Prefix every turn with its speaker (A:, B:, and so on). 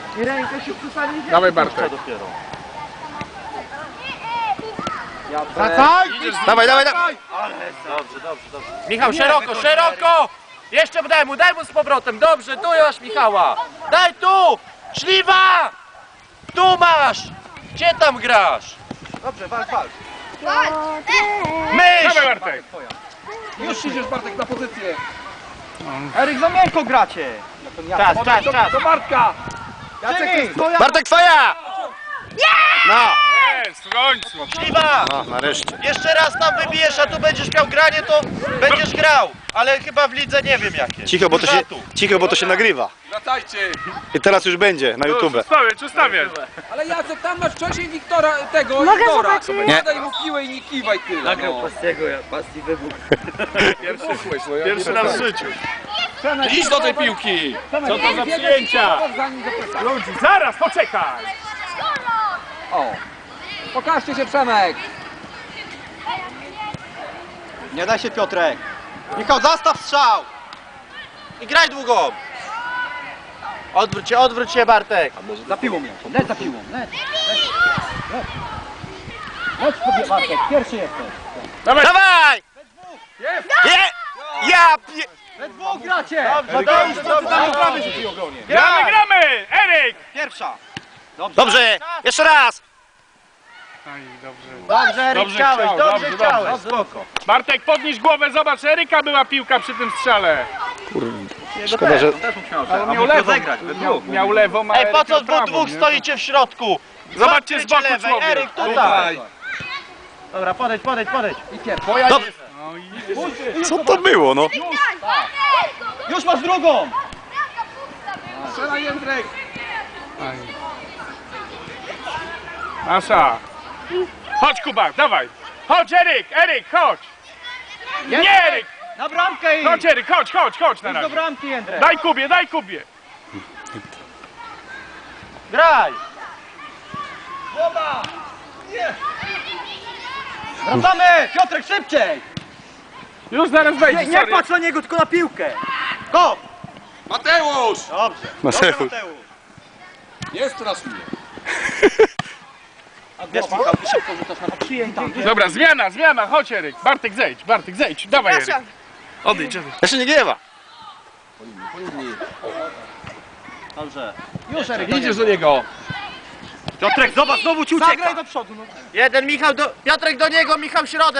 A: I rękę się przestanie.
B: Dawaj Bartek.
A: Dopiero.
B: Wracaj!
C: Dawaj, dawaj, dawaj!
A: Dobrze.
D: Michał, szeroko, szeroko! Jeszcze daj mu z powrotem, dobrze, tu masz Michała! Daj tu! Śliwa! Tu masz! Gdzie tam grasz?
A: Dobrze, walcz.
D: Myśl!
B: Dawaj Bartek!
A: Już idziesz Bartek na pozycję. Eryk, za miękko gracie.
D: Czas!
A: Do Bartka. Jacek, to jest twoja.
C: Bartek, twoja! No!
B: Jest, w końcu!
D: Śliwa!
C: No, nareszcie.
D: Jeszcze raz tam wybijesz, a tu będziesz miał granie, to będziesz grał. Ale chyba w lidze nie wiem jakie.
C: Cicho, bo to się nagrywa.
B: Wracajcie!
C: I teraz już będzie na YouTube.
B: Ustawiać.
A: Ale Jacek, tam masz wcześniej Wiktora, tego
E: Mogę
A: Igora.
E: zobaczyć?
C: Nie.
A: Daj mu piłę i nie kiwaj tyle. Nagrał
D: Pastiego, Pasti wybuch.
B: Pierwszy raz w życiu.
A: Idź do tej piłki.
B: Co to za przyjęcia? Ludzi, zaraz, poczekaj!
A: O. Pokażcie się, Przemek.
C: Nie daj się, Piotrek. Michał, zastaw strzał!
D: I graj długo! Odwróć się Bartek!
A: Za piłą ją. Leć za piłą. Leć. Leć sobie, Bartek. Pierwszy jesteś.
B: Dawaj!
C: Dawaj!
B: Jest!
C: Ja pie...
A: We dwóch gracie.
B: Gramy! Eryk!
A: Pierwsza.
C: Dobrze, jeszcze raz!
B: Aj, dobrze.
D: Dobrze, Eryk,
B: Dobrze
D: chciałeś,
B: chciał,
D: dobrze
B: dobrze,
D: chciałeś, spoko.
B: Bartek, podnieś głowę, zobacz, Eryka była piłka przy tym strzale.
C: Szkoda, że...
B: Ale miał lewą, miał lewą, a
D: Ej, po
B: Eryk
D: co
B: miał prawą,
D: dwóch
B: nie?
D: stoicie w środku?
B: Zobaczcie z boku
D: lewej,
B: człowiek.
D: Eryk tutaj. Dobra, podejdź.
A: I pierwsza.
C: Dobrze.
B: No i...
C: Co to było, no?
A: Już masz drugą.
B: Strzelaj, Jędrek! Nasza! Chodź, Kuba, dawaj! Chodź, Eryk, chodź! Nie, Eryk!
A: Na bramkę i.
B: Chodź, Eryk, chodź na
A: Do
B: razie!
A: bramki, Jędrek.
B: Daj Kubie!
D: Graj!
A: Wracamy! Piotrek, szybciej!
B: Już zaraz wejdzie,
A: Nie
B: sorry.
A: patrz na niego, tylko na piłkę! Go!
B: Mateusz!
C: Mateusz.
B: Jest teraz mnie.
A: Wiesz, Michał, ty szybko rzucasz na przyjęta.
B: Dobra, zmiana, chodź, Eryk. Bartek, zejdź, dawaj, Eryk. Odejdź.
C: Jeszcze nie gniewa.
A: Dobrze. Już, Eryk.
B: Idziesz do niego.
A: Piotrek, zobacz, znowu ci ucieka.
D: Jeden Michał Piotrek do niego, Michał środek.